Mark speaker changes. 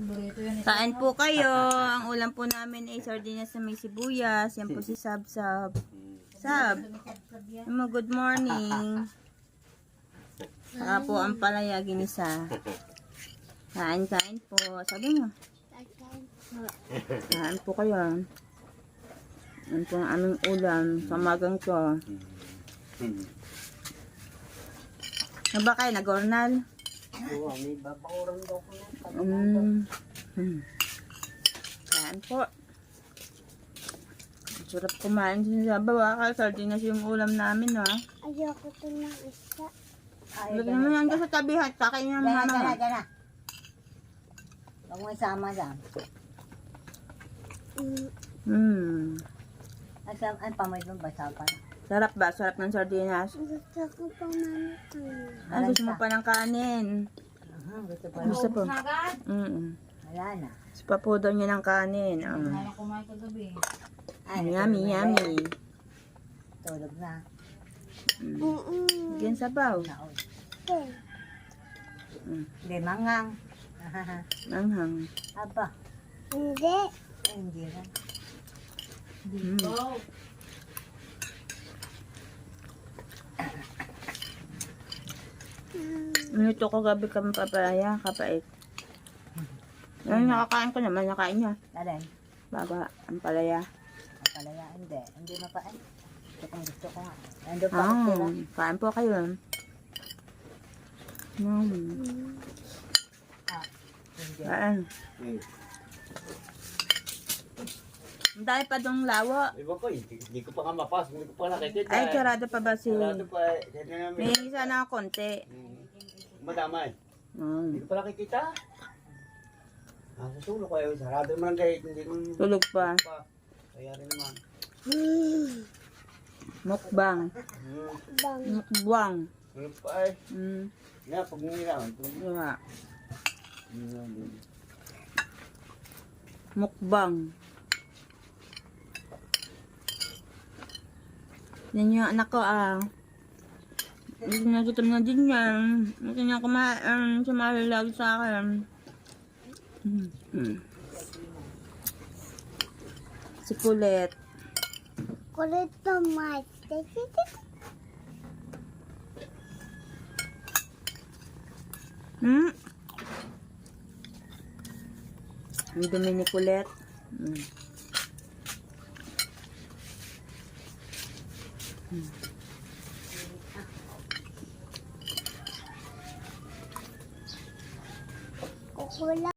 Speaker 1: Kain po kayo. Ang ulam po namin ay sardinas na may sibuyas. Yan po si Sab Sab. Sab, good morning. Saka po ang palaya ginisa. Kain po. Sabi mo. Kain po kayo. Yan po ang aming ulam sa magang to. Ano ba kayo? Nag-ornal?
Speaker 2: Oo, may babakuran daw ko na.
Speaker 1: Kain po. Sarap kumain sa bawaka. Sardinas yung ulam namin, ha?
Speaker 3: Ayoko ito ng isa.
Speaker 1: Lagyan mo yan sa tabi, ha? Kakain ng mama.
Speaker 2: Gana. Huwag mo isama dyan. Ay, pamoy doon, basa pa.
Speaker 1: Sarap ba? Sarap ng sardinas.
Speaker 3: Gusto ko pa naman.
Speaker 1: Ay, gusto mo pa ng kanin.
Speaker 2: Gusto pa
Speaker 1: Gusto po.
Speaker 2: Wala na.
Speaker 1: Gusto pa po daw niya ng kanin.
Speaker 4: Kumain kagabi.
Speaker 1: Yummy, yummy.
Speaker 2: Tulog na.
Speaker 1: Bigyan sabaw.
Speaker 2: Naon. Hindi, mangang.
Speaker 1: Manghang.
Speaker 2: Aba.
Speaker 3: Hindi.
Speaker 2: Ay, hindi na.
Speaker 1: Minuto ko gabi kami papaya, kapait. Yung nakakain ko naman, nakain niya.
Speaker 2: Alin?
Speaker 1: Baba, ang palaya.
Speaker 2: Ang palaya, hindi. Hindi mapain. Gusto ko nga. Nandun pa ako sila.
Speaker 1: Kain po kayo.
Speaker 2: Hindi.
Speaker 1: Kain. Ang dahil pa dong lawa.
Speaker 5: Iba ko, hindi ko pa nga mapas, hindi ko pa nakikita.
Speaker 1: Ay, sarado pa ba si...
Speaker 5: Sarado pa,
Speaker 1: May isa na konti.
Speaker 5: madamay. Hindi ko pa nakikita. Susulo ko eh, sarado naman ang gate, hindi ko...
Speaker 1: Tulog pa.
Speaker 5: Kaya rin naman.
Speaker 1: Mukbang.
Speaker 3: Bang.
Speaker 1: Mukbang.
Speaker 5: Tulog pa eh. Nga, pag nila, tulog
Speaker 1: Diba?
Speaker 5: na.
Speaker 1: Mukbang. Yan yung anak ko Nagutom na din yan. Hindi niya kumain. Sumalalag sa akin. Si Kulit.
Speaker 3: Kulit naman.
Speaker 1: Ang dumi ni Kulit.
Speaker 3: Kukula.